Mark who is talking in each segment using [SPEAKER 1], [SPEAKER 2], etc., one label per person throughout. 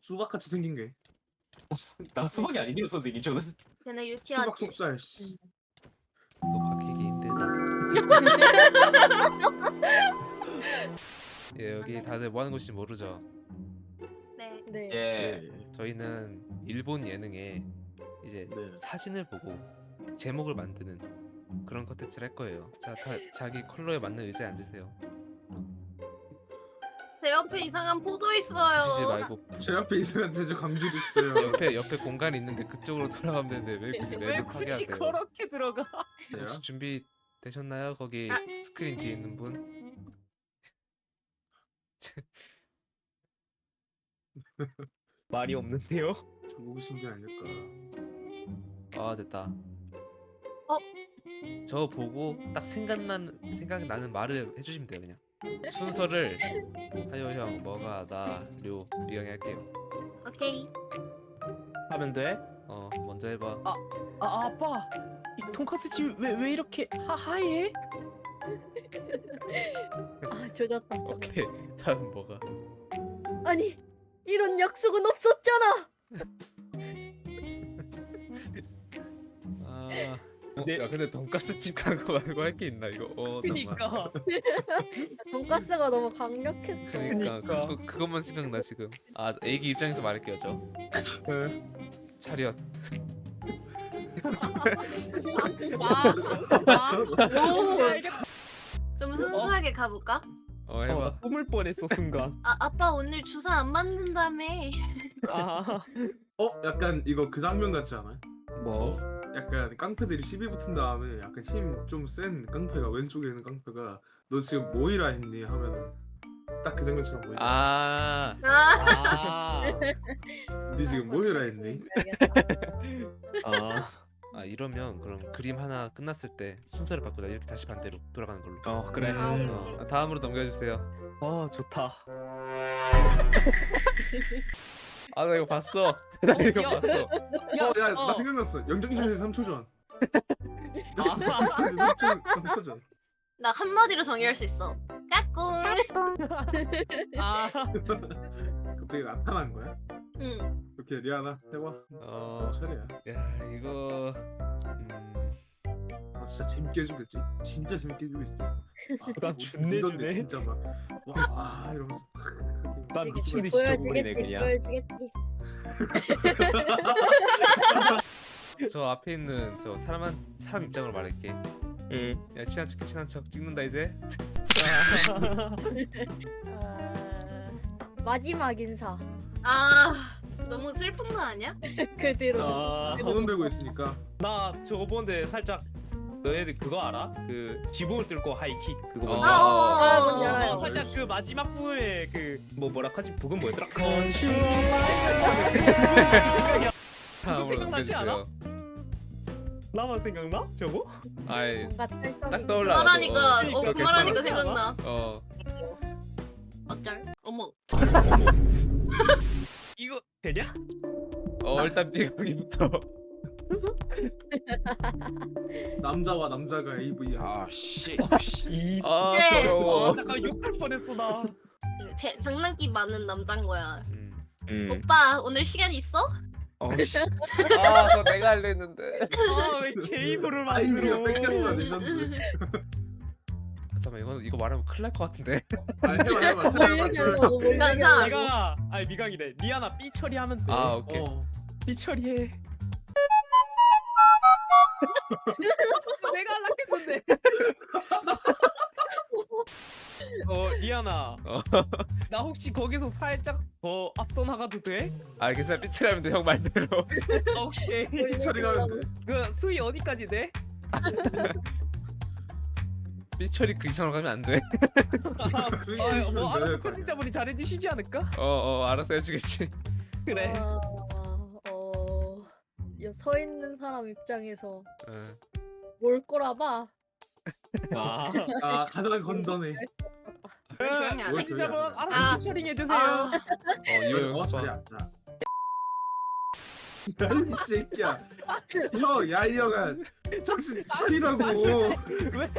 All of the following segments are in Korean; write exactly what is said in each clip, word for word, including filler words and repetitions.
[SPEAKER 1] 수박같이 생긴 게.
[SPEAKER 2] 나 수박이 아니네요 선생님 저는.
[SPEAKER 3] 걔네
[SPEAKER 1] 수박
[SPEAKER 3] 유치하지.
[SPEAKER 1] 속살. 씨.
[SPEAKER 4] 녹화 키기 힘들다. 예, 여기 다들 뭐 하는 곳인지 모르죠?
[SPEAKER 3] 네.
[SPEAKER 5] 네.
[SPEAKER 2] 예.
[SPEAKER 1] 예.
[SPEAKER 4] 저희는 일본 예능에 이제
[SPEAKER 1] 네.
[SPEAKER 4] 사진을 보고 제목을 만드는 그런 컨텐츠를 할 거예요. 자, 다 자기 컬러에 맞는 의자에 앉으세요.
[SPEAKER 3] 제 옆에 이상한 포도 있어요.
[SPEAKER 4] 지지 말고
[SPEAKER 1] 제 앞에 이상한 제주 감귤 있어요.
[SPEAKER 4] 옆에 옆에 공간이 있는데 그쪽으로 돌아가면 되는데 왜 굳이
[SPEAKER 2] 왜
[SPEAKER 4] 맵을
[SPEAKER 2] 굳이
[SPEAKER 4] 파괴하세요?
[SPEAKER 2] 그렇게 들어가?
[SPEAKER 4] 혹시 준비 되셨나요? 거기
[SPEAKER 3] 아.
[SPEAKER 4] 스크린 뒤에 있는 분?
[SPEAKER 2] 말이 없는데요?
[SPEAKER 1] 누구신 게 아닐까.
[SPEAKER 4] 아, 됐다.
[SPEAKER 3] 어?
[SPEAKER 4] 저 보고 딱 생각나는 생각나는 말을 해주시면 돼요. 그냥 순서를 하요 형, 뭐가, 나, 료, 미강이 할게요.
[SPEAKER 3] 오케이.
[SPEAKER 2] 하면 돼?
[SPEAKER 4] 어, 먼저 해봐.
[SPEAKER 2] 아, 아 아빠 이 돈까스 집 왜 왜 이렇게 하 하얘?
[SPEAKER 5] 아 조졌다. 저거.
[SPEAKER 4] 오케이. 다음 뭐가?
[SPEAKER 5] 아니 이런 약속은 없었잖아.
[SPEAKER 4] 아, 어,
[SPEAKER 2] 네.
[SPEAKER 4] 야 근데 돈가스 집 가는 거 말고 할 게 있나 이거? 어, 잠깐만.
[SPEAKER 2] 그니까
[SPEAKER 5] 돈가스가 너무 강력했어.
[SPEAKER 4] 그러니까
[SPEAKER 2] 그니까.
[SPEAKER 4] 그거, 그것만 생각나 지금. 아, 애기 입장에서 말할게요. 저 차렷.
[SPEAKER 5] 아, 아,
[SPEAKER 3] 오.
[SPEAKER 2] 잘
[SPEAKER 3] 좀 순수하게 가볼까?
[SPEAKER 4] 어,
[SPEAKER 2] 어,
[SPEAKER 4] 해봐.
[SPEAKER 2] 나 꿈을 뻔했어 순간.
[SPEAKER 3] 아 아빠 오늘 주사 안 맞는다며.
[SPEAKER 2] 아
[SPEAKER 1] 어? 약간 이거 그 장면 같지 않아요?
[SPEAKER 2] 뭐?
[SPEAKER 1] 약간 깡패들이 시비 붙은 다음에 약간 힘 좀 센 깡패가 왼쪽에 있는 깡패가 너 지금 뭐이라 했니? 하면은 딱 그 장면처럼 보이죠?
[SPEAKER 4] 아,
[SPEAKER 3] 아.
[SPEAKER 2] 아,
[SPEAKER 1] 니 지금 뭐이라 했니?
[SPEAKER 2] 아,
[SPEAKER 4] 아 이러면 그럼 그림 하나 끝났을 때 순서를 바꾸자. 이렇게 다시 반대로 돌아가는 걸로.
[SPEAKER 2] 어 그래.
[SPEAKER 5] 아,
[SPEAKER 4] 어, 다음으로 넘겨주세요.
[SPEAKER 2] 어 좋다.
[SPEAKER 4] 아, 나 이거 봤어. 나 이거
[SPEAKER 2] 야.
[SPEAKER 4] 봤어.
[SPEAKER 1] 어, 야, 나 생각났어. 영정전에서 삼 초 전. 영정전에서 삼 초 전.
[SPEAKER 3] 나 한마디로 정의할 수 있어. 까꿍.
[SPEAKER 2] 아,
[SPEAKER 1] 갑자기 나타난 거야?
[SPEAKER 3] 응.
[SPEAKER 1] 오케이, 리아나 해봐.
[SPEAKER 4] 어,
[SPEAKER 1] 차례야.
[SPEAKER 4] 야 이거 음,
[SPEAKER 1] 아, 진짜 재밌게 해주겠지? 진짜 재밌게 해주겠지? 아,
[SPEAKER 2] 난
[SPEAKER 1] 뭐,
[SPEAKER 2] 준내
[SPEAKER 1] 이건데
[SPEAKER 2] 주네.
[SPEAKER 1] 진짜 막 와, 와 이러면서.
[SPEAKER 2] 난 미친 듯이 저거리네
[SPEAKER 5] 보여주겠지.
[SPEAKER 2] 그냥.
[SPEAKER 5] 보여주겠지.
[SPEAKER 4] 저 앞에 있는 저 사람 한 사람 입장으로 말할게.
[SPEAKER 2] 응.
[SPEAKER 4] 야, 친한 척 친한 척 찍는다 이제.
[SPEAKER 5] 어, 마지막 인사.
[SPEAKER 3] 아 너무 슬픈 거 아니야?
[SPEAKER 5] 그 뒤로.
[SPEAKER 2] 아,
[SPEAKER 1] 손 들고 있으니까.
[SPEAKER 2] 나 저거 보는데 살짝 너네들 그거 알아? 그 지붕을 뚫고 하이킥 그거
[SPEAKER 4] 어.
[SPEAKER 2] 뭔지
[SPEAKER 3] 아,
[SPEAKER 2] 알아?
[SPEAKER 3] 어, 어,
[SPEAKER 5] 아,
[SPEAKER 3] 어,
[SPEAKER 5] 뭔지
[SPEAKER 3] 어.
[SPEAKER 5] 알아요.
[SPEAKER 2] 어, 살짝 그 마지막 부분에 그 뭐 뭐라 하지? 부분 뭐였더라?
[SPEAKER 4] 다음으로
[SPEAKER 2] 생각나지
[SPEAKER 4] 넘겨주세요.
[SPEAKER 2] 나만 생각나? 저거?
[SPEAKER 4] 아이,
[SPEAKER 5] 뭔가 찰떡이.
[SPEAKER 4] 딱 떠올라.
[SPEAKER 3] 말하니까 어
[SPEAKER 2] 그러니까
[SPEAKER 3] 그 말하니까
[SPEAKER 2] 괜찮지
[SPEAKER 3] 생각나.
[SPEAKER 4] 어,
[SPEAKER 3] 어쩔? 어머.
[SPEAKER 2] 이거 되냐?
[SPEAKER 4] 어 일단 비강이부터.
[SPEAKER 1] 남자와 남자가 에이브이야.
[SPEAKER 6] 아 씨.
[SPEAKER 2] 씨.
[SPEAKER 4] 아,
[SPEAKER 3] 그래.
[SPEAKER 4] 더러워.
[SPEAKER 2] 아, 잠깐 욕할 뻔했어 나.
[SPEAKER 3] 그 제, 장난기 많은 남잔 거야.
[SPEAKER 4] 음.
[SPEAKER 2] 음.
[SPEAKER 3] 오빠 오늘 시간 있어?
[SPEAKER 2] 어, 씨.
[SPEAKER 4] 아, 그거 내가 하려 했는데.
[SPEAKER 2] 아왜 게이브를
[SPEAKER 1] 아이디가
[SPEAKER 2] 만들어?
[SPEAKER 1] 뺏겼어 레전드.
[SPEAKER 4] 아, 잠깐만, 이거 이거 말하면 큰일 날 것 같은데.
[SPEAKER 1] 아 해봐 해봐
[SPEAKER 5] 뭘
[SPEAKER 1] 해봐
[SPEAKER 5] 얘기하려고,
[SPEAKER 1] 해봐.
[SPEAKER 5] 뭘
[SPEAKER 3] 나-
[SPEAKER 5] 얘기하려고.
[SPEAKER 2] 미강아, 아니 미강이래. 리아나 삐 처리하면 돼.
[SPEAKER 4] 아, 오케이.
[SPEAKER 1] 어.
[SPEAKER 2] 삐 처리해. 내가 할락했는데. 어 리아나,
[SPEAKER 4] 어.
[SPEAKER 2] 나 혹시 거기서 살짝 더 앞서 나가도 돼?
[SPEAKER 4] 아, 괜찮아. 삐처리하면 돼, 형 말대로.
[SPEAKER 2] 오케이.
[SPEAKER 5] 뭘
[SPEAKER 1] 처리가면 돼.
[SPEAKER 2] 그 수위 어디까지 돼?
[SPEAKER 4] 삐처리 그 이상으로 가면 안 돼.
[SPEAKER 2] 아,
[SPEAKER 1] 수익
[SPEAKER 2] 어,
[SPEAKER 1] 실수는
[SPEAKER 2] 뭐 알아서
[SPEAKER 1] 내야 될 거
[SPEAKER 2] 편집자분이 잘해주시지 않을까?
[SPEAKER 4] 어, 어, 알아서 해주겠지.
[SPEAKER 2] 그래.
[SPEAKER 5] 어, 어, 야, 서 있는 사람 입장에서
[SPEAKER 4] 어.
[SPEAKER 5] 뭘 꼬라봐.
[SPEAKER 2] 아,
[SPEAKER 1] 아 가장 건전해.
[SPEAKER 3] 조용히 안 해?
[SPEAKER 2] 편집자분
[SPEAKER 1] 아.
[SPEAKER 2] 알아서 피처링 해주세요.
[SPEAKER 3] 아.
[SPEAKER 4] 어, 이거 형
[SPEAKER 1] 어
[SPEAKER 4] 해봐.
[SPEAKER 1] 차례 앉아. 야이 새끼야. 형 야이형아 정신 차리라고.
[SPEAKER 2] 왜?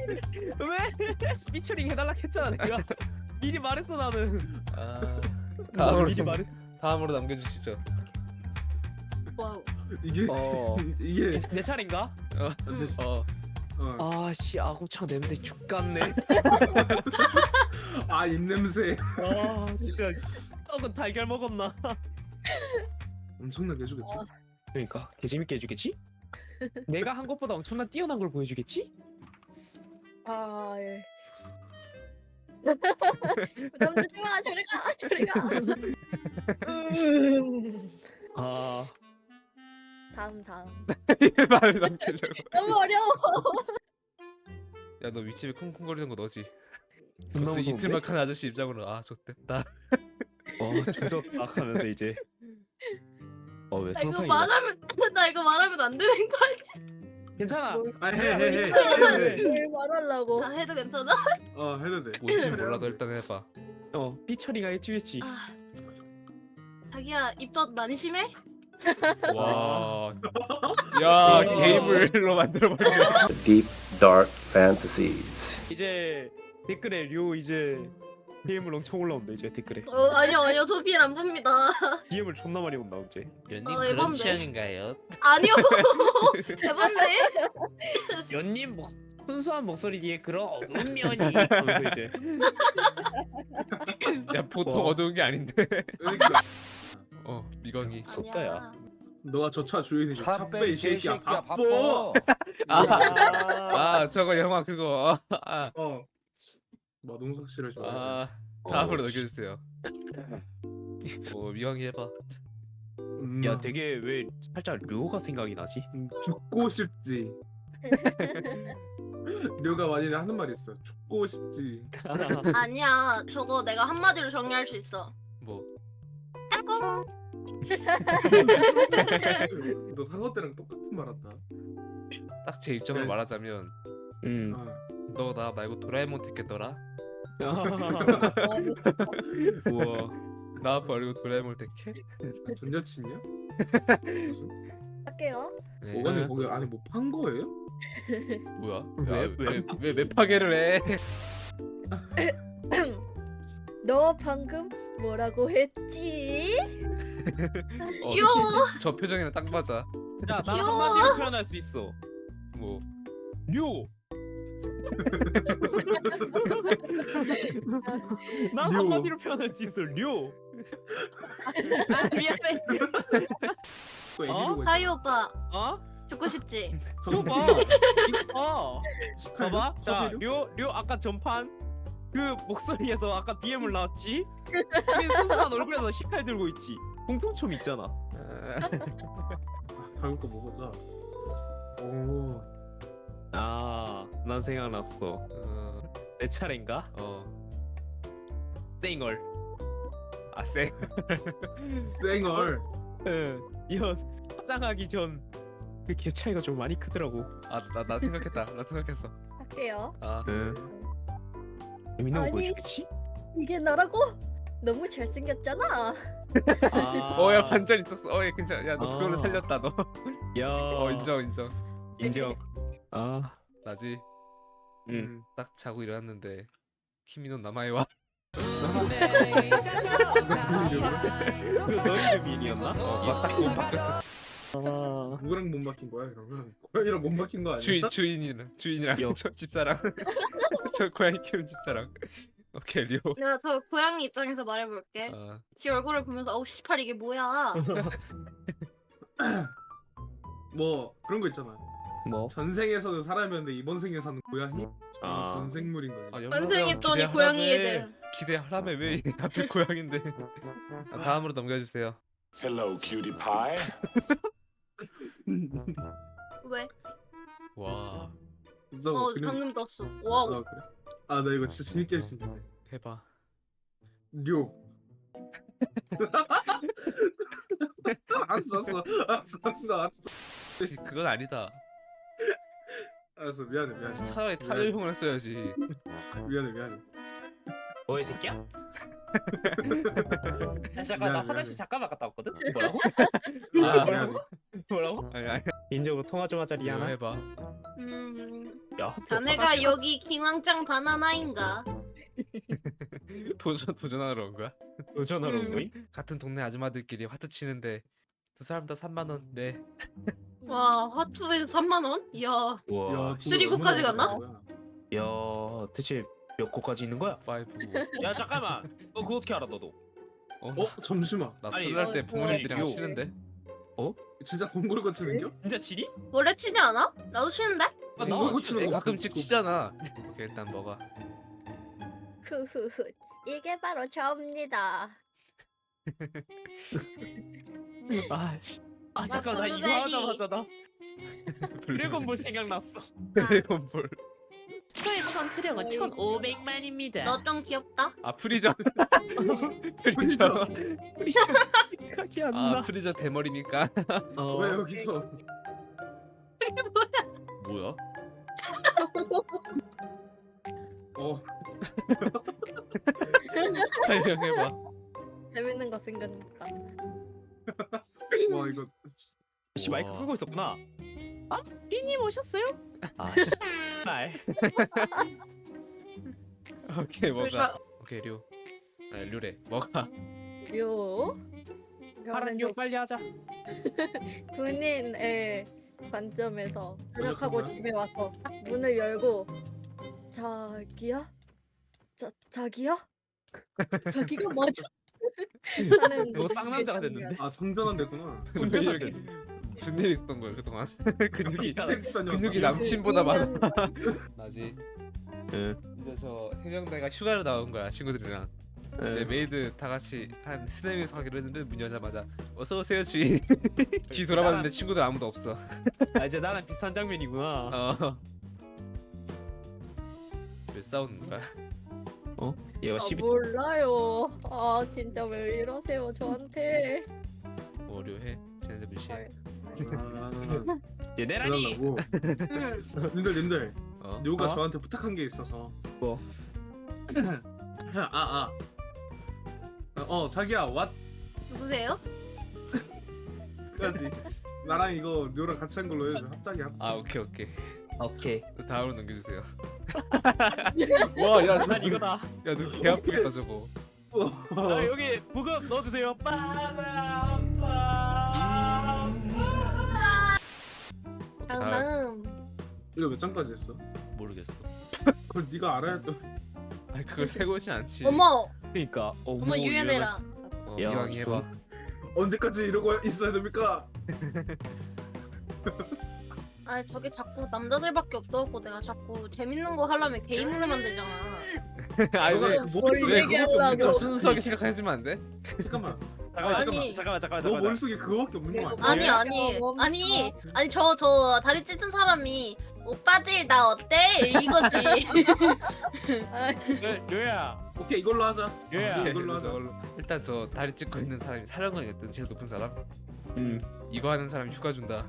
[SPEAKER 2] 왜? 피처링 해달라 했잖아 내가. 미리 말했어 나는.
[SPEAKER 4] 아, 다음으로
[SPEAKER 2] 미리 말했.
[SPEAKER 4] 다음으로 남겨주시죠.
[SPEAKER 3] 와우.
[SPEAKER 1] 이게
[SPEAKER 2] 어.
[SPEAKER 1] 이게
[SPEAKER 2] 내, 내 차례인가?
[SPEAKER 1] 안 됐어.
[SPEAKER 4] 어.
[SPEAKER 1] 어.
[SPEAKER 2] 아씨 아구창 냄새 죽겠네.
[SPEAKER 1] 아 입냄새
[SPEAKER 2] 아 진짜 떡은 달걀 먹었나?
[SPEAKER 1] 엄청나게 해주겠지.
[SPEAKER 2] 그러니까 개재밌게 해주겠지? 내가 한 것보다 엄청난 뛰어난 걸 보여주겠지?
[SPEAKER 5] 아 예. 부담 주지 마. 저리 가. 저리 가. 음.
[SPEAKER 2] 아
[SPEAKER 5] 다음 다음.
[SPEAKER 4] 말을 남기려고.
[SPEAKER 5] 너무 어려워.
[SPEAKER 4] 야 너 윗집에 쿵쿵거리는 거 너지?
[SPEAKER 2] 존나
[SPEAKER 4] 그치,
[SPEAKER 2] 무서운데?
[SPEAKER 4] 이틀막한 아저씨 입장으로 아 좋댔다.
[SPEAKER 2] 어 조졌다 하면서 이제 어 왜
[SPEAKER 3] 나 이거
[SPEAKER 2] 상상이
[SPEAKER 3] 말하면 나 이거 말하면 안 되는 거
[SPEAKER 2] 괜찮아.
[SPEAKER 5] 뭘,
[SPEAKER 1] 아 해해해.
[SPEAKER 5] 뭘 말하려고.
[SPEAKER 3] 다 해도 괜찮아?
[SPEAKER 1] 어 해도 돼.
[SPEAKER 4] 뭔지 몰라도 일단 해봐.
[SPEAKER 2] 어 삐처리가 해주겠지.
[SPEAKER 3] 아. 자기야 입덧 많이 심해?
[SPEAKER 4] 와. 야 게임을로 만들어 버리네.
[SPEAKER 6] Deep dark fantasies.
[SPEAKER 2] 이제 댓글에 료 이제 디엠을 엄청 올라온다 이제 댓글에.
[SPEAKER 3] 어 아니요 아니요 저 비엘 안 봅니다.
[SPEAKER 2] 디엠을 존나 많이 온다 이제.
[SPEAKER 4] 연님
[SPEAKER 3] 어,
[SPEAKER 4] 그런
[SPEAKER 3] 에반데?
[SPEAKER 4] 취향인가요?
[SPEAKER 3] 아니요. 해봤네.
[SPEAKER 2] 연님 목 순수한 목소리 뒤에 그런 어두운 면이 하면서 이제
[SPEAKER 4] 야 보통
[SPEAKER 2] 와.
[SPEAKER 4] 어두운 게 아닌데.
[SPEAKER 1] 그러니까
[SPEAKER 4] 어 미광이.
[SPEAKER 2] 무섭다, 야.
[SPEAKER 1] 너가 저 차 주인이지. 차 빼 이 새끼야. 바빠.
[SPEAKER 4] 아,
[SPEAKER 2] 아,
[SPEAKER 4] 아 저거 영화 그거. 아,
[SPEAKER 1] 어. 마동석 씨를 좋아해서.
[SPEAKER 4] 아 다음으로
[SPEAKER 2] 어,
[SPEAKER 4] 넘겨주세요. 어 미광이 해봐.
[SPEAKER 1] 음,
[SPEAKER 2] 야 되게 왜 살짝 료가 생각이 나지?
[SPEAKER 1] 음, 죽고 싶지. 료가 많이 하는 말이 있어. 죽고 싶지.
[SPEAKER 3] 아니야 저거 내가 한마디로 정리할 수 있어.
[SPEAKER 4] 뭐
[SPEAKER 3] 까꿍.
[SPEAKER 1] 너 상어 때랑 똑같은 말 한다.
[SPEAKER 4] 딱 제 입장을
[SPEAKER 1] 네.
[SPEAKER 4] 말하자면
[SPEAKER 2] 음.
[SPEAKER 1] 어.
[SPEAKER 4] 너 나 말고 도라에몽 택했더라?
[SPEAKER 2] 우와.
[SPEAKER 4] 나 버리고 도라에몽 택해?
[SPEAKER 1] 전 여친이야? 무슨?
[SPEAKER 5] 할게요.
[SPEAKER 4] 네.
[SPEAKER 1] 오가님 거기 안에 뭐 판 거예요?
[SPEAKER 4] 뭐야?
[SPEAKER 2] 왜, 왜?
[SPEAKER 4] 왜왜 파괴를 해?
[SPEAKER 5] 너 방금 뭐라고 했지?
[SPEAKER 4] 어,
[SPEAKER 3] 귀여워.
[SPEAKER 4] 저 표정이랑 딱 맞아.
[SPEAKER 2] 야, 나
[SPEAKER 3] 귀여워.
[SPEAKER 2] 한마디로 표현할 수 있어.
[SPEAKER 4] 뭐
[SPEAKER 2] 료. 나
[SPEAKER 1] 료.
[SPEAKER 2] 한마디로 표현할 수 있어. 료. 아, 미안해.
[SPEAKER 1] 또 애기
[SPEAKER 2] 어?
[SPEAKER 1] 보고 있어.
[SPEAKER 3] 다이 오빠
[SPEAKER 2] 어?
[SPEAKER 3] 죽고 싶지?
[SPEAKER 2] 료 봐. 이거 봐. 봐봐. 자, 료, 료 아까 전판 그 목소리에서 아까 디엠을 나왔지? 그 순수한 얼굴에서 식칼 들고 있지. 공통점 있잖아.
[SPEAKER 1] 다음 거 뭐가? 오.
[SPEAKER 2] 아, 난 생각났어.
[SPEAKER 4] 어,
[SPEAKER 2] 내 차례인가?
[SPEAKER 4] 어.
[SPEAKER 2] 땡얼.
[SPEAKER 4] 아 쌩.
[SPEAKER 1] 쌩얼.
[SPEAKER 2] 응. 이거 화장하기 전 그 갭 차이가 좀 많이 크더라고.
[SPEAKER 4] 아나 나 생각했다. 나 생각했어.
[SPEAKER 5] 할게요.
[SPEAKER 4] 아
[SPEAKER 2] 응. 재밌는 거
[SPEAKER 5] 아니.
[SPEAKER 2] 보여주겠지?
[SPEAKER 5] 이게 나라고? 너무 잘생겼잖아.
[SPEAKER 2] 아.
[SPEAKER 4] 어야 반전 있었어. 어얘 괜찮아. 야 너 그걸로
[SPEAKER 2] 아.
[SPEAKER 4] 살렸다 너.
[SPEAKER 2] 야.
[SPEAKER 4] 어 인정 인정.
[SPEAKER 2] 인정. 아.
[SPEAKER 4] 나지.
[SPEAKER 2] 응.
[SPEAKER 4] 딱 자고 일어났는데 키미노 나마이와.
[SPEAKER 2] 그 너희 미인이었나?
[SPEAKER 4] 어딱몸 바뀌었어.
[SPEAKER 2] 아.
[SPEAKER 1] 누구랑 못 막힌 거야 그러면? 고양이랑 못 막힌 거 아니야?
[SPEAKER 4] 주인 주인이랑 주인이랑
[SPEAKER 2] 요.
[SPEAKER 4] 저 집사랑 저 고양이 키우는 집사랑. 오케이 리오.
[SPEAKER 3] 내가 저 고양이 입장에서 말해볼게.
[SPEAKER 4] 아
[SPEAKER 3] 지 얼굴을 보면서 어우 씨팔 이게 뭐야?
[SPEAKER 1] 뭐 그런 거 있잖아.
[SPEAKER 2] 뭐?
[SPEAKER 1] 전생에서는 사람이었는데 이번 생에서는 고양이?
[SPEAKER 2] 아.
[SPEAKER 1] 전생물인 거지.
[SPEAKER 4] 아,
[SPEAKER 3] 전생했더니
[SPEAKER 4] 기대하라며.
[SPEAKER 3] 고양이 애들.
[SPEAKER 4] 기대하라며 왜 앞에 고양인데. 아, 다음으로 넘겨주세요.
[SPEAKER 6] Hello, cutie pie.
[SPEAKER 3] 왜?
[SPEAKER 4] 와
[SPEAKER 1] 진짜
[SPEAKER 3] 어
[SPEAKER 1] 그냥-
[SPEAKER 3] 방금 떴어. 와우.
[SPEAKER 1] 아 그래? 아 나 이거 진짜 재밌게 할 수 있는데.
[SPEAKER 4] 해봐.
[SPEAKER 1] 료. 알았어 알았어 알았어 알았어 알았어
[SPEAKER 4] 혹시 그건 아니다.
[SPEAKER 1] 알았어 미안해 미안해
[SPEAKER 4] 차라리 타요형을 써야지.
[SPEAKER 1] 미안해 미안해.
[SPEAKER 2] 너의 새끼야? 야, 잠깐 나
[SPEAKER 1] 미안해,
[SPEAKER 2] 화장실
[SPEAKER 1] 미안해.
[SPEAKER 2] 잠깐만 갔다 왔거든. 뭐라고?
[SPEAKER 1] 미안해
[SPEAKER 2] 아,
[SPEAKER 1] 미안해.
[SPEAKER 2] 뭐라고?
[SPEAKER 4] 아니 아니.
[SPEAKER 2] 인적으로 통화 좀 하자
[SPEAKER 4] 이거
[SPEAKER 2] 리아나.
[SPEAKER 4] 해봐.
[SPEAKER 3] 음.
[SPEAKER 2] 야,
[SPEAKER 3] 자네가
[SPEAKER 2] 화장실
[SPEAKER 3] 여기 킹왕짱 바나나인가?
[SPEAKER 4] 도전 도전하러 온 거야?
[SPEAKER 2] 너 전화로 온
[SPEAKER 3] 음.
[SPEAKER 2] 거임?
[SPEAKER 4] 같은 동네 아줌마들끼리 화투 치는데 두 사람 다 삼만 원. 네.
[SPEAKER 3] 와 화투에 삼만 원? 이야.
[SPEAKER 2] 와.
[SPEAKER 1] 야,
[SPEAKER 2] 씨.
[SPEAKER 3] 쓰리고까지 갔나?
[SPEAKER 2] 야, 대체 몇 고까지 있는 거야?
[SPEAKER 4] 파이브.
[SPEAKER 2] 야 잠깐만. 너 그거 어떻게 알아 너도?
[SPEAKER 4] 어?
[SPEAKER 1] 어 잠시만.
[SPEAKER 4] 나
[SPEAKER 2] 아니,
[SPEAKER 4] 설날 때
[SPEAKER 5] 어,
[SPEAKER 4] 부모님들이랑
[SPEAKER 2] 요.
[SPEAKER 4] 치는데.
[SPEAKER 1] 진짜 동굴 거치는겨?
[SPEAKER 2] 진짜 치리?
[SPEAKER 3] 원래 치지 않아? 나도 치는데?
[SPEAKER 2] 아,
[SPEAKER 1] 이거
[SPEAKER 2] 나
[SPEAKER 1] 치는
[SPEAKER 4] 애
[SPEAKER 1] 거
[SPEAKER 4] 가끔씩
[SPEAKER 1] 그거-
[SPEAKER 4] 치잖아. 오케이 일단 먹어.
[SPEAKER 5] 후후후. 이게 바로 저입니다.
[SPEAKER 2] 아, 씨. 아 잠깐 나 이거
[SPEAKER 3] 블루베리.
[SPEAKER 2] 하자마자 나 드래곤볼 생각났어.
[SPEAKER 4] 드래곤볼.
[SPEAKER 2] 스토의 천트령은
[SPEAKER 5] 어이.
[SPEAKER 2] 천오백만입니다.
[SPEAKER 3] 너 좀 귀엽다.
[SPEAKER 4] 아 프리저. 프리저.
[SPEAKER 2] 우리 생각이 안
[SPEAKER 4] 아
[SPEAKER 2] 나.
[SPEAKER 4] 프리저 대머리니까.
[SPEAKER 2] 어.
[SPEAKER 1] 왜 여기서?
[SPEAKER 4] 뭐야?
[SPEAKER 1] 어
[SPEAKER 4] 설명해봐.
[SPEAKER 5] 재밌는 거 생각났다.
[SPEAKER 1] 와 이거
[SPEAKER 2] 씨 마이크
[SPEAKER 4] 와.
[SPEAKER 2] 끄고 있었구나. 아, 삐님 오셨어요? 아, 씨. 말.
[SPEAKER 4] 오케이 먹어.
[SPEAKER 3] 그래서-
[SPEAKER 4] 오케이 류. 아 류래. 먹어.
[SPEAKER 5] 요.
[SPEAKER 2] 파란 요 빨리 하자.
[SPEAKER 5] 군인의 관점에서 도착하고
[SPEAKER 1] 뭐야?
[SPEAKER 5] 집에 와서 딱 문을 열고 자기야? 자 자기야? 자기가 맞아? 하는
[SPEAKER 2] 너 쌍남자가 됐는데?
[SPEAKER 1] 아 성전환 됐구나.
[SPEAKER 2] 혼자
[SPEAKER 4] 왜
[SPEAKER 2] 살게.
[SPEAKER 4] 이렇게 무슨 일이 있었던 거야 그동안? 근육이
[SPEAKER 1] 텍사스
[SPEAKER 4] 근육이
[SPEAKER 1] 녀석.
[SPEAKER 4] 남친보다 많아. 나지.
[SPEAKER 2] 응.
[SPEAKER 4] 이제 저 해병대가 휴가를 나온 거야 친구들이랑. 이제 메이드 다 같이 한 세네 명이서 가기로 했는데 문 여자마자 어서 오세요 주인. 뒤 돌아봤는데 친구들 아무도 없어.
[SPEAKER 2] 아 이제 나랑 비슷한 장면이구나.
[SPEAKER 4] 어. 왜 싸우는 거야?
[SPEAKER 2] 얘가
[SPEAKER 5] 아,
[SPEAKER 2] 십이.
[SPEAKER 5] 몰라요. 아 진짜 왜 이러세요 저한테?
[SPEAKER 4] 어려해. 쟤네들 무시해.
[SPEAKER 1] 아,
[SPEAKER 2] 얘 내라니.
[SPEAKER 1] 그러려고.
[SPEAKER 3] 응.
[SPEAKER 1] 님들 님들
[SPEAKER 4] 어?
[SPEAKER 1] 요가
[SPEAKER 2] 어?
[SPEAKER 1] 저한테 부탁한 게 있어서.
[SPEAKER 2] 뭐?
[SPEAKER 1] 아 아. 어 자기야 왓
[SPEAKER 3] 누구세요?
[SPEAKER 1] 까지 나랑 이거 료랑 같이 한 걸로 해줘. 합작이 합작.
[SPEAKER 4] 아 오케이 오케이.
[SPEAKER 2] 오케이.
[SPEAKER 4] 다음으로 넘겨주세요. 와, 야,
[SPEAKER 2] 난 이거다.
[SPEAKER 4] 야, 너 개 아프겠다 저거.
[SPEAKER 2] 아 여기 부금 넣어주세요. 빠밤.
[SPEAKER 4] 오케이,
[SPEAKER 3] 다음
[SPEAKER 4] 다음.
[SPEAKER 3] 다음.
[SPEAKER 1] 이거 몇 장까지 했어?
[SPEAKER 4] 모르겠어.
[SPEAKER 1] 그걸 네가 알아야 또.
[SPEAKER 4] 아, 그걸 세고지 않지.
[SPEAKER 3] 어머
[SPEAKER 2] 그러니까.
[SPEAKER 3] 어머 유연해라.
[SPEAKER 4] 어,
[SPEAKER 2] 야,
[SPEAKER 4] 이왕이 해봐.
[SPEAKER 1] 언제까지 이러고 있어야 됩니까?
[SPEAKER 3] 아 저게 자꾸 남자들밖에 없어갖고 내가 자꾸 재밌는 거 하려면 게임으로 만들잖아.
[SPEAKER 4] 아,
[SPEAKER 1] 너가
[SPEAKER 4] 왜?
[SPEAKER 1] 그
[SPEAKER 5] 뭘
[SPEAKER 1] 머릿속에 그거밖에
[SPEAKER 5] 얘기하려고.
[SPEAKER 1] 없는
[SPEAKER 4] 좀
[SPEAKER 1] 거
[SPEAKER 4] 순수하게 생각하지만 안 돼?
[SPEAKER 1] 잠깐만.
[SPEAKER 2] 잠깐만
[SPEAKER 3] 아니.
[SPEAKER 2] 잠깐만 잠깐만 잠깐만.
[SPEAKER 1] 너
[SPEAKER 2] 잠깐만.
[SPEAKER 1] 머릿속에 그거밖에 없는 거 아니야?
[SPEAKER 3] 아니
[SPEAKER 5] 왜?
[SPEAKER 3] 아니
[SPEAKER 5] 어,
[SPEAKER 3] 아니 아니 저 저 다리 찢은 사람이 오빠들 나 어때 이거지.
[SPEAKER 5] 아,
[SPEAKER 2] 네, 료야.
[SPEAKER 1] 오케이 이걸로 하자.
[SPEAKER 2] 료야.
[SPEAKER 1] 오케이, 이걸로 하자.
[SPEAKER 4] 저걸로. 일단 저 다리 찢고 있는 사람이 사령관이었던 제일 높은 사람.
[SPEAKER 2] 음.
[SPEAKER 4] 이거 하는 사람이 휴가 준다.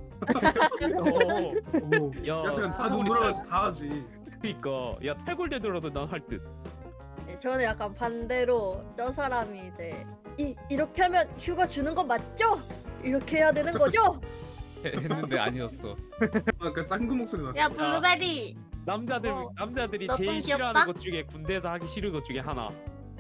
[SPEAKER 2] 오.
[SPEAKER 1] 오.
[SPEAKER 2] 야.
[SPEAKER 1] 야 제가 다 눈물어서 다 하지.
[SPEAKER 2] 그니까 야 탈골되더라도 난 할 듯.
[SPEAKER 5] 네, 저는 약간 반대로 저 사람이 이제 이 이렇게 하면 휴가 주는 거 맞죠? 이렇게 해야 되는 거죠?
[SPEAKER 4] 해- 했는데 아니었어.
[SPEAKER 1] 아까 짱구 목소리 났어.
[SPEAKER 3] 야 블루베리.
[SPEAKER 2] 남자들
[SPEAKER 3] 어.
[SPEAKER 2] 남자들이
[SPEAKER 3] 너좀
[SPEAKER 2] 제일
[SPEAKER 3] 귀엽다?
[SPEAKER 2] 싫어하는 것 중에 군대에서 하기 싫은 것 중에 하나.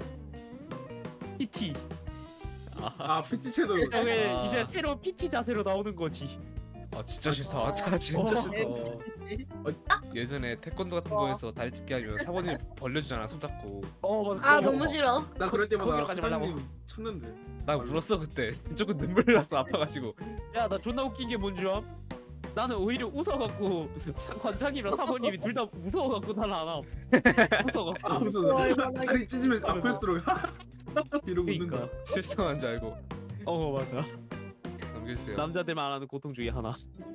[SPEAKER 2] 피티.
[SPEAKER 1] 아 피티 채널.
[SPEAKER 2] 왜
[SPEAKER 4] 아.
[SPEAKER 2] 이제 새로운 피티 자세로 나오는 거지.
[SPEAKER 4] 아 진짜 싫다.
[SPEAKER 5] 아,
[SPEAKER 4] 아, 진짜
[SPEAKER 2] 어.
[SPEAKER 4] 싫다. 예전에 태권도 같은
[SPEAKER 5] 어.
[SPEAKER 4] 거에서 다리 찢기 하면 사모님 벌려주잖아 손잡고.
[SPEAKER 2] 어 맞아.
[SPEAKER 3] 아
[SPEAKER 2] 그거.
[SPEAKER 3] 너무 싫어.
[SPEAKER 1] 나 그럴
[SPEAKER 2] 거기로
[SPEAKER 1] 때마다
[SPEAKER 2] 가지 말라고.
[SPEAKER 1] 사장님 쳤는데.
[SPEAKER 4] 나 울었어 그때. 조금 눈물 났어 아파가지고.
[SPEAKER 2] 야 나 존나 웃긴 게 뭔 줄 암? 나는 오히려 웃어갖고 사- 관장이랑 사모님이 둘 다 무서워갖고 나는 안 함. 웃어갖고.
[SPEAKER 1] 아 무슨
[SPEAKER 5] 어, 얼마나
[SPEAKER 1] 다리 찢으면
[SPEAKER 2] 하면서.
[SPEAKER 1] 아플수록 이러고 웃는
[SPEAKER 2] 그러니까.
[SPEAKER 1] 거야.
[SPEAKER 4] 실성한 줄 알고
[SPEAKER 2] 어 맞아.
[SPEAKER 4] 넘겨주세요.
[SPEAKER 2] 남자들만 아는 고통 중에 하나.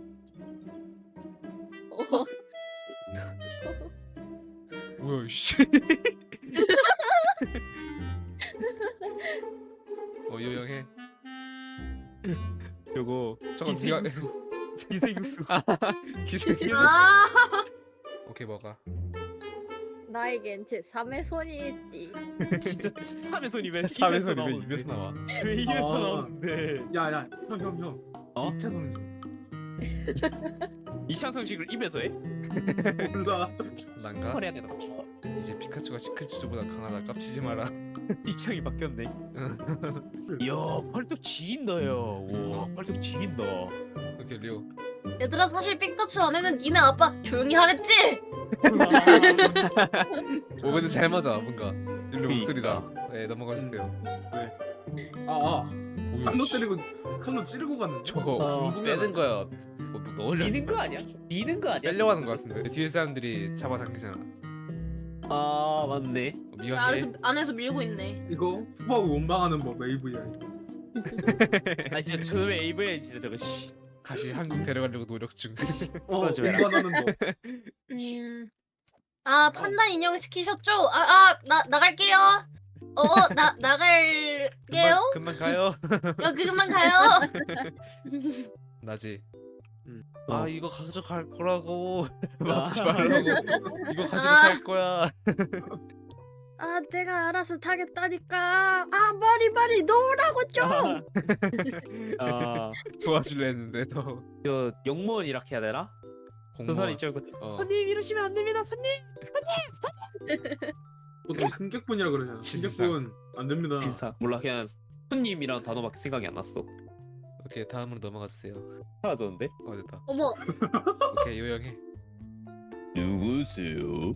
[SPEAKER 5] 어,
[SPEAKER 4] 뭐야 이씨. 어 요영해.
[SPEAKER 2] 요거
[SPEAKER 4] 저건 네가
[SPEAKER 2] 기생수. 기생수.
[SPEAKER 4] 기생수.
[SPEAKER 3] 아
[SPEAKER 4] 오케이 먹어.
[SPEAKER 5] 나에겐 제 삼의 손이 있지.
[SPEAKER 2] 진짜 삼의 손이 왜
[SPEAKER 4] 삼의
[SPEAKER 2] 입에서
[SPEAKER 4] 손이 왜
[SPEAKER 2] 나오는데?
[SPEAKER 4] 입에서 나와?
[SPEAKER 2] 왜 입에서
[SPEAKER 1] 아.
[SPEAKER 2] 나오는데?
[SPEAKER 1] 야야 형 형 형.
[SPEAKER 2] 어?
[SPEAKER 1] 이차 성지.
[SPEAKER 2] 이창성식을 입에서 해?
[SPEAKER 1] 몰라.
[SPEAKER 4] 난가?
[SPEAKER 2] 헐해야 되나?
[SPEAKER 4] 이제 피카츄가 시크츄보다 강하다. 깝치지 마라.
[SPEAKER 2] 입장이 바뀌었네. 이야 팔뚝 지긴다 야. 와 팔뚝 지긴다.
[SPEAKER 4] 오케이 리오.
[SPEAKER 3] 얘들아 사실 피카츄 안에는 니네 아빠 조용히 하랬지?
[SPEAKER 4] 오 근데 잘 맞아 뭔가. 일로
[SPEAKER 2] 그러니까.
[SPEAKER 4] 목소리다. 네 넘어가 주세요.
[SPEAKER 1] 아아
[SPEAKER 4] 뭐야?
[SPEAKER 1] 칼로
[SPEAKER 4] 씨.
[SPEAKER 1] 때리고 칼로 찌르고 갔는데.
[SPEAKER 4] 저거
[SPEAKER 2] 어.
[SPEAKER 4] 빼는 거야. 뭐, 뭐 넣으려.
[SPEAKER 2] 미는 거 아니야? 미는 거 아니야?
[SPEAKER 4] 빼려고 하는 거 같은데. 뒤에 사람들이 잡아당기잖아.
[SPEAKER 2] 아 맞네.
[SPEAKER 4] 어, 미안해.
[SPEAKER 3] 안에서, 안에서 밀고 있네.
[SPEAKER 1] 이거 후보하고 원망하는 법 에이브이야.
[SPEAKER 2] 아 진짜 처음에 에이브이야 진짜 저거 씨.
[SPEAKER 4] 다시 한국 데려가려고 노력 중.
[SPEAKER 1] 어
[SPEAKER 2] 맞아.
[SPEAKER 1] 원망하는 법.
[SPEAKER 3] 음. 아 판다 인형 시키셨죠? 아아 나 나갈게요. 어나 나갈게요.
[SPEAKER 4] 금방, 금방 가요.
[SPEAKER 3] 여기 그만 가요.
[SPEAKER 4] 나지.
[SPEAKER 1] 음.
[SPEAKER 4] 아
[SPEAKER 2] 어.
[SPEAKER 4] 이거 가져갈 거라고. 막지
[SPEAKER 2] 아.
[SPEAKER 4] 말라고. 이거 가져갈 거야.
[SPEAKER 5] 아 내가 알아서 타겠다니까. 아 머리 머리 놓으라고 좀.
[SPEAKER 2] 아,
[SPEAKER 4] 도와줄래 했는데 너.
[SPEAKER 2] 저 영무원 이렇게 해야 되나? 그 사람 입장에서
[SPEAKER 4] 어.
[SPEAKER 2] 손님 이러시면 안 됩니다 손님.
[SPEAKER 1] 보통 승객분이라 그러잖아.
[SPEAKER 4] 진짜.
[SPEAKER 1] 승객분 안 됩니다.
[SPEAKER 2] 인사 몰라 그냥 손님이란 단어밖에 생각이 안 났어.
[SPEAKER 4] 오케이 다음으로 넘어가 주세요.
[SPEAKER 2] 사라졌는데?
[SPEAKER 4] 어 됐다.
[SPEAKER 3] 어머
[SPEAKER 4] 오케이 요영해.
[SPEAKER 2] 누구세요?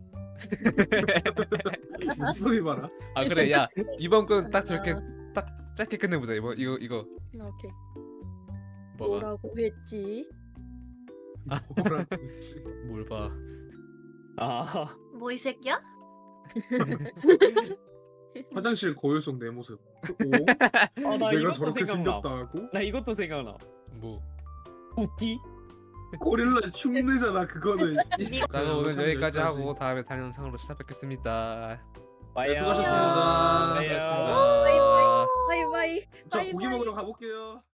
[SPEAKER 1] 목소리 봐라.
[SPEAKER 4] 아 그래 야 이번 건 딱 저렇게 딱 짧게 끝내보자 이번 이거 이거
[SPEAKER 5] 오케이.
[SPEAKER 4] 뭐가
[SPEAKER 5] 뭐라고 했지?
[SPEAKER 1] 뭐라.
[SPEAKER 4] 뭘 봐.
[SPEAKER 2] 아
[SPEAKER 3] 뭐 이 새끼야?
[SPEAKER 1] 화장실 거울 속 내 모습. 오?
[SPEAKER 2] 어, 나
[SPEAKER 1] 내가
[SPEAKER 2] 이것도
[SPEAKER 1] 저렇게
[SPEAKER 2] 생각나.
[SPEAKER 1] 생겼다고?
[SPEAKER 2] 나 이것도 생각나.
[SPEAKER 4] 뭐.
[SPEAKER 2] 웃기?
[SPEAKER 1] 고릴라 흉내잖아 그거는.
[SPEAKER 4] 자 그럼 오늘
[SPEAKER 1] 참
[SPEAKER 4] 여기까지
[SPEAKER 1] 여기까지.
[SPEAKER 4] 하고 다음에 다른 영상으로 찾아뵙겠습니다.
[SPEAKER 2] 빠이야.
[SPEAKER 1] 수고하셨습니다.
[SPEAKER 4] 수고하셨습니다.
[SPEAKER 5] 바이바이. 바이바이.
[SPEAKER 1] 자
[SPEAKER 5] 바이바이.
[SPEAKER 1] 고기 먹으러 가볼게요.